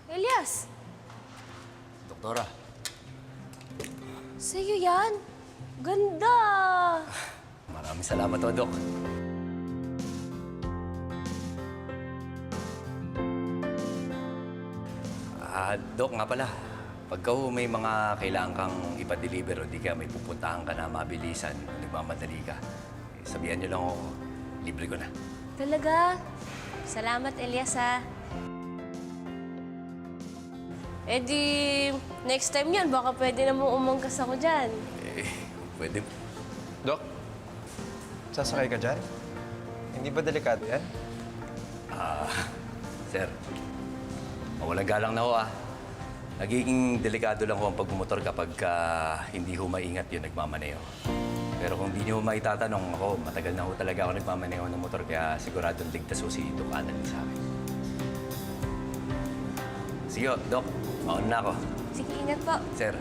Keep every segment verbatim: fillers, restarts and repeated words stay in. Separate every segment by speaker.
Speaker 1: Elias!
Speaker 2: Doktora.
Speaker 1: Sa'yo yan? Ganda!
Speaker 2: Maraming salamat o, Dok. Ah, Dok nga pala. Pagka ho may mga kailangan kang ipa-deliver o di kaya may pupuntahan ka na mabilisan, nagmamadali ka, eh, sabihan niyo lang ako, libre ko na.
Speaker 1: Talaga? Salamat, Elias, ha? Eh di, next time yan, baka pwede na mo umangkas ako dyan.
Speaker 2: Eh, pwede.
Speaker 3: Dok, sasakay ka dyan? Hindi ba delikado yan?
Speaker 2: Ah, sir, mawalang galang na ho ah. Nagiging delikado lang ho ang pagmumotor kapag uh, hindi ho maingat yung nagmamaneho. Pero kung di niyo ho maitatanong ako, matagal na ho talaga ako nagmamaneho ng motor kaya siguradong ligtas ho si Doc Alan sa akin. Sige ho, Doc. Mauna na ako.
Speaker 1: Sige, ingat po.
Speaker 2: Sir.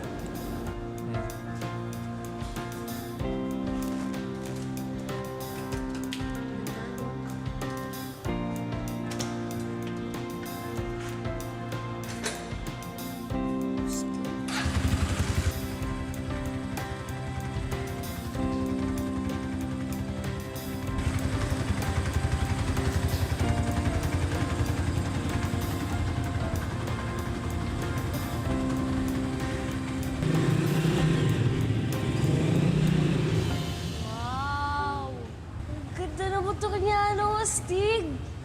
Speaker 1: Wow! Ang ganda na motor niya, ano, astig!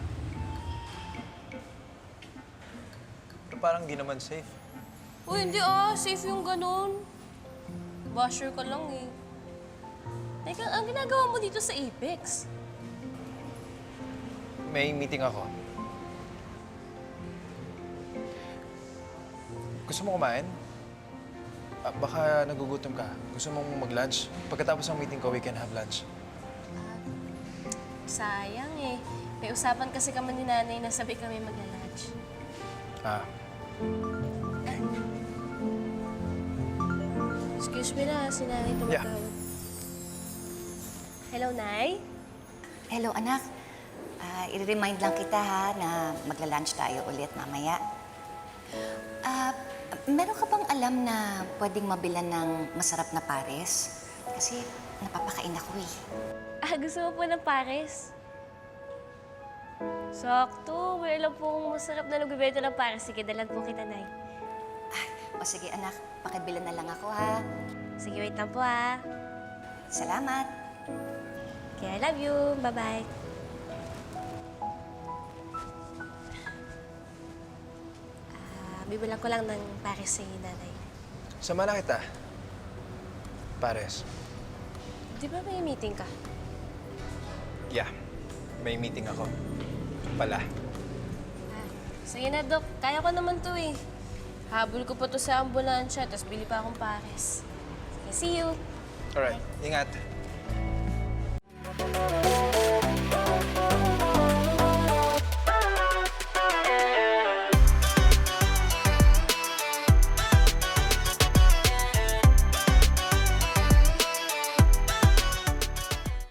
Speaker 3: Pero parang di naman safe.
Speaker 1: Uy, hindi ah. Safe yung ganun. Basher ka lang eh. Teka, ang ginagawa mo dito sa Apex?
Speaker 3: May meeting ako. Gusto mo kumain? Ah, baka nagugutom ka. Gusto mong mag-lunch? Pagkatapos ng meeting ko, we can have lunch.
Speaker 1: Sayang eh. May usapan kasi kami ni nanay na sabi kami magla-lunch.
Speaker 3: Ah,
Speaker 1: Excuse me na, si nanay
Speaker 3: Yeah.
Speaker 1: tumatawag. Hello, Nay?
Speaker 4: Hello, anak. Ah, i-remind lang kita ha na magla-lunch tayo ulit mamaya. Ah, meron ka bang alam na pwedeng mabilan ng masarap na pares? Kasi napapakain ako eh.
Speaker 1: Ah, gusto mo po ng pares? Sakto. May alam pong masarap na nagbibenta ng pares. Sige, dalan po kita, Nay.
Speaker 4: Ah, o sige anak, pakibilan na lang ako ha.
Speaker 1: Sige, wait lang po ah.
Speaker 4: Salamat.
Speaker 1: Okay, I love you. Bye-bye. Ah, bibilang ko lang ng pares sa nanay.
Speaker 3: sama na kita. Pares.
Speaker 1: Di ba may meeting ka?
Speaker 3: Yeah, may meeting ako. Pala.
Speaker 1: Ah, sige na, Dok. Kaya ko naman to eh. Habol ko pa to sa ambulansya, tapos bili pa akong pares. Sige, see you.
Speaker 3: Alright, ingat.